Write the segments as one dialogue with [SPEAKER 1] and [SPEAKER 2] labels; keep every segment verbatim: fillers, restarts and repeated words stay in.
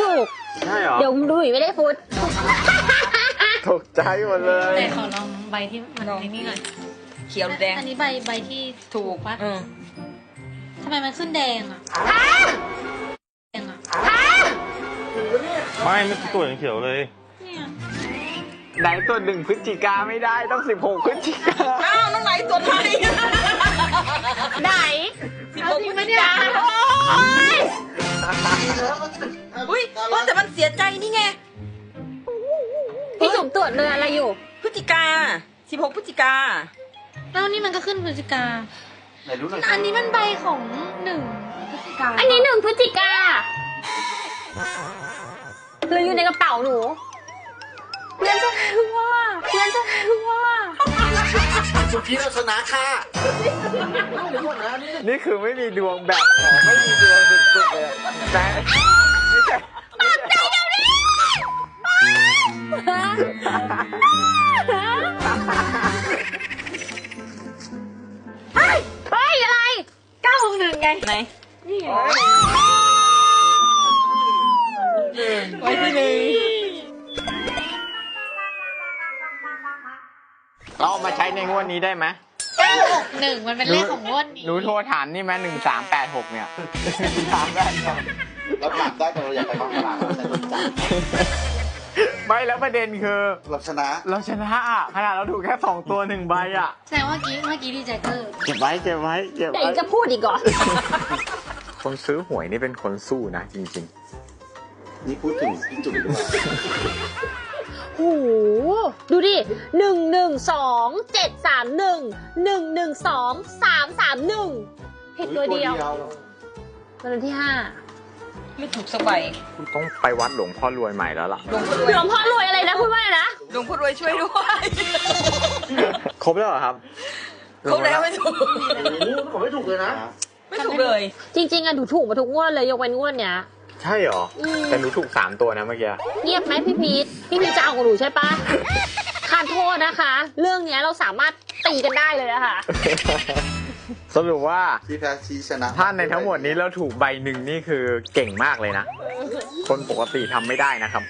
[SPEAKER 1] ถูก
[SPEAKER 2] ใช่เหรอ
[SPEAKER 1] เดี๋ยวดูอีกไม่ได้ฟุต
[SPEAKER 2] ตกใจหมดเลย
[SPEAKER 3] แต่ขอลองใบที่มันในนี่หน่อย
[SPEAKER 4] เขียวแดง
[SPEAKER 3] อันนี้ใบใบที่ถูกปะทำไมมันขึ้นแดงอ่ะแดงอ่ะ
[SPEAKER 5] ไม่ไม่ตัวอย่างเขียวเลย
[SPEAKER 3] เนี่ย
[SPEAKER 2] ไหนตัวหนึ่งพฤศจิกาไม่ได้ต้องสิบหกพฤศจิกา
[SPEAKER 4] อ้าวนั่นไหนตัวไหน
[SPEAKER 1] ไหน
[SPEAKER 4] สิบหกพฤศจิกาอุ้ยแต่มันเสียใจนี่ไง
[SPEAKER 1] พี่จุ๋มตรวจเลยอะไรอยู่
[SPEAKER 4] พฤศจิกาสิบหกพฤศจิกา
[SPEAKER 3] แล้วนี่มันก็ขึ้นพฤศจิกา
[SPEAKER 2] ไหนรู้หน่อย
[SPEAKER 3] อันนี้มันใบของหนึ่งพฤศจิกา
[SPEAKER 1] อันนี้หนึ่งพฤศจิกาหรืออยู่ในกระเป๋าหนูเรียนจะรู้ว่าเรียนจะรู้ว่า
[SPEAKER 6] สุกี้เราชนะค่ะ
[SPEAKER 2] นี่คือไม่มีดวงแบบขอไม่มีดวงสุดๆเลยแต่ไม่ใช่
[SPEAKER 1] ปากใจเดี๋ยวนี้เฮ้ยเฮ้ยอะไรเก้าหกหนึ่งไง
[SPEAKER 4] ไหน
[SPEAKER 1] นี่
[SPEAKER 4] ไว้ที่หนึ่ง
[SPEAKER 2] เราเอามาใช้ในงวดนี้ได้ไหม
[SPEAKER 3] เก้าหกหนึ่งมันเป็นเลขของงวดนี้
[SPEAKER 2] หนูโทรถามนี่ไหมหนึ่งสามแปดหกเนี่ยถามได้
[SPEAKER 6] เราจับได้แต่เราอยากไปกองสลากเราใช้ตัวจับ
[SPEAKER 2] ไม่แล้วประเด็นคือ
[SPEAKER 6] เราชนะ
[SPEAKER 2] เราชนะอ่ะขนาดเราถูกแค่สองตัวหนึ่งใบอ่ะ
[SPEAKER 3] แสดงว่าเมื่อกี้เมื่อกี้ดีใจเกอร์
[SPEAKER 2] เก็บไว้เก็บไว้เก็บไว้
[SPEAKER 1] แต่ยังจะพูดอีกเหรอ
[SPEAKER 2] คนซื้อหวยนี่เป็นคนสู้นะจริง
[SPEAKER 6] ๆนี่พูดถึงพี่จุ๋มด้วย
[SPEAKER 1] โอ้โหดูดิหนึ่งหนึ่งสองเจ็ดสามหนึ่งหนึ่งหนึ่งสองสามสามหนึ่งผิดตัวเดียววันที่ห้า
[SPEAKER 4] ไม่ถูกสบาย
[SPEAKER 2] ต้องไปวัดหลวงพ่อรวยใหม่แล้วล่ะ
[SPEAKER 1] หลวงพ่อรวยอะไรนะพูดว่าอะไรนะ
[SPEAKER 4] หลวงพ่อรวยช่วยด้วย
[SPEAKER 2] ครบแล้วเหรอครับ
[SPEAKER 4] ครบแล้วไม่ถูก
[SPEAKER 6] ผมไม่ถูกเลยนะ
[SPEAKER 4] ไม่ถูกเลย
[SPEAKER 1] จริงๆอะหนูถูกมาทุกงวดเลยยกเว้นงวดเนี้ย
[SPEAKER 2] ใช่เหรอแต่หนูถูกสามตัวนะเมื่อกี้
[SPEAKER 1] เงียบไหมพี่พีทพี่พีทจะเอาของหนูใช่ปะขอโทษนะคะเรื่องนี้เราสามารถตีกันได้เลยนะคะ
[SPEAKER 2] สรุปว่า
[SPEAKER 6] ที่แพ้ชี้ชนะ
[SPEAKER 2] ถ้าในทั้งหมดนี้เราถูกใบหนึ่งนี่คือเก่งมากเลยนะคนปกติทำไม่ได้นะครับ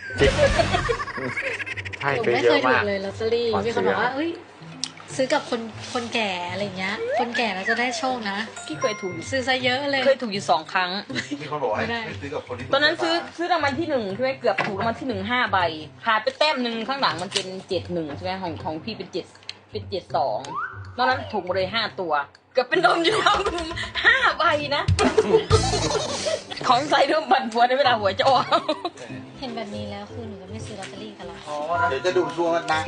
[SPEAKER 2] ใช่
[SPEAKER 3] ผมไม่เคยถูกเลยลอตเตอรี่มีคนบอกว่าซื้อกับคนคนแก่อะไรเงี้ยคนแก่เราจะได้โชคนะ
[SPEAKER 4] พี่เคยถูก
[SPEAKER 3] ซื้อซะเยอะเลย
[SPEAKER 4] เคยถูกอยู่สองครั้ง
[SPEAKER 6] มีคนบอกให้ซื้อกับคนที่
[SPEAKER 4] ตอนนั้นซื้อซื้อรางวัลที่หนึ่งใช่ไหมเกือบถูกรางวัลที่หนึ่งห้าใบขาดไปแต้มหนึ่งข้างหลังมันเป็นเจ็ดหนึ่งใช่ไหมของของพี่เป็นเจ็ดเป็นเจ็ดสองตอนนั้นถูกหมดเลยห้าตัวเกือบเป็นนมอยู่แล้วห้าใบนะของใส่ด้วยบันฟัวในเวลาหัวจะออก
[SPEAKER 3] เห็นแบบนี้แล้วคือหนูจะไม่ซื้อลอตเตอรี่กันละ
[SPEAKER 6] เดี๋ยวจะดูช่วงนะ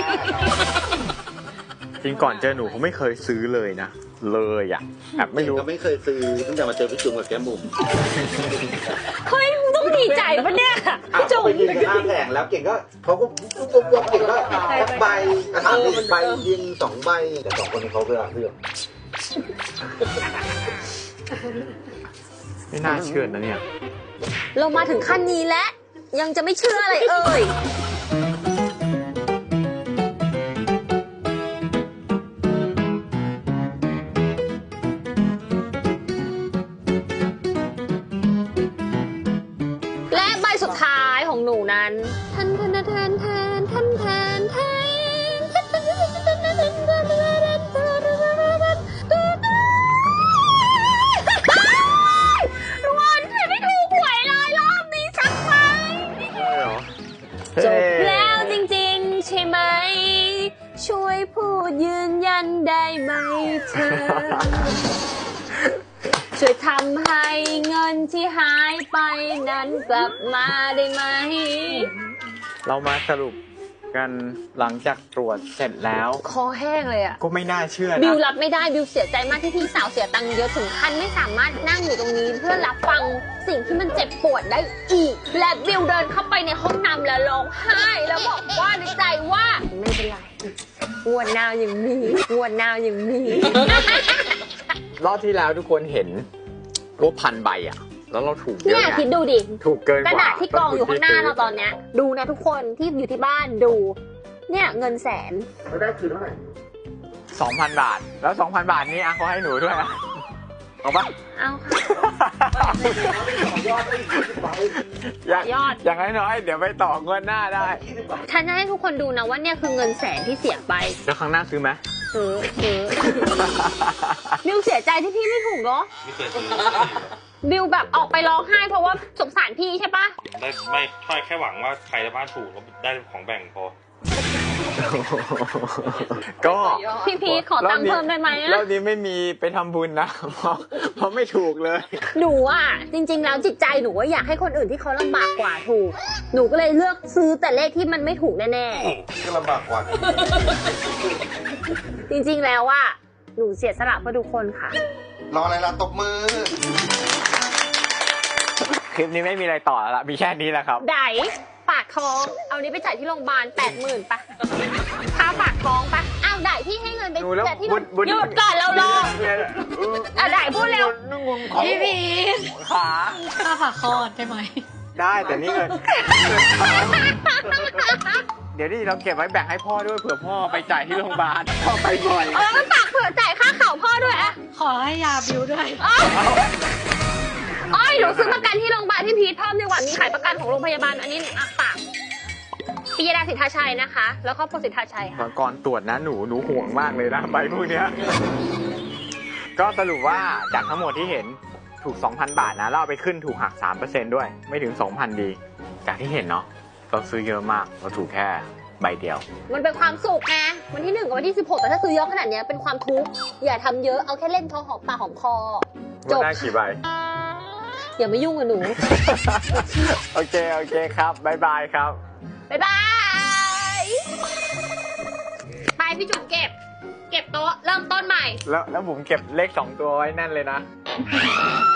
[SPEAKER 2] จริงก่อนเจอหนูเขาไม่เคยซื้อเลยนะเลยอ่ะแบบไม่รู้
[SPEAKER 6] ก็ไม่เคยซื้อตั้งแต่มาเจอพี่จุ๋มกับแก้มบุ๋ม
[SPEAKER 1] เฮ้ยต้องดีใจปะเนี่ยพี่จุ๋ม
[SPEAKER 6] ไปยืนกันหน้าแผงแล้วเก่งก็เขาก็ปุ๊บปุ๊บเก่งก็ใบกระถางหนึ่งใบยิงสองใบแต่สองคนนี้เขาเลือกเลือก
[SPEAKER 2] ไม่น่าเชื่อนะเนี่ย
[SPEAKER 1] เรามาถึงขั้นนี้แล้วยังจะไม่เชื่ออะไรเอ่ยและใบสุดท้ายของหนูนั้นทันทันทันทันทันทันทันจบแล้วจริงๆใช่ไหมช่วยพูดยืนยันได้ไหมเธอช่วยทำให้เงินที่หายไปนั้นกลับมาได้ไหม
[SPEAKER 2] เรามาสรุปกันหลังจากตรวจเสร็จแล้ว
[SPEAKER 1] คอแห้งเลยอ่ะ
[SPEAKER 2] ก็ไม่น่าเชื่อนะ
[SPEAKER 1] บิวรับไม่ได้บิวเสียใจมากที่พี่สาวเสียตังค์เยอะถึงขั้นไม่สามารถนั่งอยู่ตรงนี้เพื่อรับฟังสิ่งที่มันเจ็บปวดได้อีกและบิวเดินเข้าไปในห้องน้ำแล้วร้องไห้แล้วบอกว่าในใจว่าไม่เป็นไรงวดหน้ายังมีงวดหน้ายังมี
[SPEAKER 2] รอบที่แล้วทุกคนเห็นว่าพันใบอ่ะแล้วเราถูกเยอะ
[SPEAKER 1] เนี่ยคิดดูดิ
[SPEAKER 2] ถูกเกินกว่าก
[SPEAKER 1] ระดาษที่กองอยู่ข้างหน้าเราตอนเนี้ยดูนะทุกคนที่อยู่ที่บ้านดูเนี่ยเงินแสน
[SPEAKER 6] เราได้คืนเท่าไหร่
[SPEAKER 2] สองพันบาทแล้วสองพันบาทนี้อ่ะเขาให้หนูด้วยอ่ะเอาปะ
[SPEAKER 1] เอาค่ะ
[SPEAKER 2] อย่าง
[SPEAKER 1] ยอด
[SPEAKER 2] อย่างน้อยๆเดี๋ยวไปต่องวดหน้าได้
[SPEAKER 1] ฉันจะให้ทุกคนดูนะว่าเนี่ยคือเงินแสนที่เสียไป
[SPEAKER 2] แล้วครั้งหน้าซื้อไหม
[SPEAKER 1] ซื้อซื้อ บิวเสียใจที่พี่ไม่ถูกเนาะ
[SPEAKER 5] ไม่เคยซื้อ
[SPEAKER 1] บิวแบบออกไปร้องไห้เพราะว่าสงสารพี่ใช่ปะ
[SPEAKER 5] ได้ไม่ค่อยแค่หวังว่าใครในบ้านถูกแล้วได้ของแบ่งพอ
[SPEAKER 2] ก็
[SPEAKER 1] พี่พีชขอตังค์เพิ่มได้ไหม
[SPEAKER 2] รอ
[SPEAKER 1] อะ
[SPEAKER 2] บนี้ไม่มีไปทำบุญนะ เพราะเพราะไม่ถูกเลย
[SPEAKER 1] หนูอ่ะจริง ๆ แล้วจิตใจหนูว่าอยากให้คนอื่นที่เขาลำบากกว่าถูก หนูก็เลยเลือกซื้อแต่เลขที่มันไม่ถูกแน่
[SPEAKER 6] ก็ลำบากกว่า
[SPEAKER 1] ๆจริง ๆ แล้วว่าหนูเสียสละเพื่อทุกคนค่ะ
[SPEAKER 6] รออะไรล่ะตบมือ
[SPEAKER 2] คลิปนี้ไม่มีอะไรต่อแล้วละมีแค่นี้แหละครับ
[SPEAKER 1] ไดฝากท้อง เอานี้ไปจ่ายที่โรงพยาบาลแปดหมื่นปะค่าฝากท้องปะอ้าวไดพี่ให้เงินไป
[SPEAKER 2] หนูแล้ว
[SPEAKER 1] จ่ายที่
[SPEAKER 2] บุญบุญ
[SPEAKER 1] หยุดก่อนเรารออ่ะไดพูดเร็ว
[SPEAKER 2] นุ่งงของ
[SPEAKER 3] พี่พีช
[SPEAKER 2] ขา
[SPEAKER 3] ค่าฝากคลอดได้ไหม
[SPEAKER 2] ได้แต่นี่เงินเดี๋ยวนี่เราเก็บไว้แบ่งให้พ่อด้วยเผื่อพ่อไปจ่ายที่โรงพยาบาลพ่อไปบ่อย
[SPEAKER 1] เออฝากเผื่อจ่ายค่าข่าวพ่อด้วยอะ
[SPEAKER 3] ขอให้ยาบิวด้วย
[SPEAKER 1] อ้อยอ้อยหนูซื้อประกันที่โรงพยาบาลที่พีทเพิ่มดีกว่ามีขายประกันของโรงพยาบาลอันนี้อ่ะฝากปิยดาสิทธาชัยนะคะ แล้วครอบครัวสิทธาชัยค่ะ
[SPEAKER 2] ก่อนตรวจนะหนูหนูห่วงมากเลยนะใบพวกเนี้ยก็สรุปว่าจากทั้งหมดที่เห็นถูก สองพัน บาทนะแล้วเอาไปขึ้นถูกหัก สามเปอร์เซ็นต์ ด้วยไม่ถึง สองพัน ดี จากที่เห็นเนาะเราซื้อเยอะมากเราถูกแค่ใบเดียว
[SPEAKER 1] มันเป็นความสุขไงวันที่หนึ่งกับวันที่สิบหกแต่ถ้าซื้อเยอะขนาดเนี้ยเป็นความทุกข์อย่าทำเยอะเอาแค่เล่นพอหอมปากหอมคอจบ
[SPEAKER 2] ได้กี่ใบ
[SPEAKER 1] อย่ามายุ่งกับหนู
[SPEAKER 2] โอเค โอเคครับบายบายครับ
[SPEAKER 1] บ๊ายบายไปพี่จุ๋มเก็บ เก็บโต๊ะเริ่มต้นใหม่
[SPEAKER 2] แล้วแล้วผมเก็บเลขสองตัวไว้แน่นเลยนะ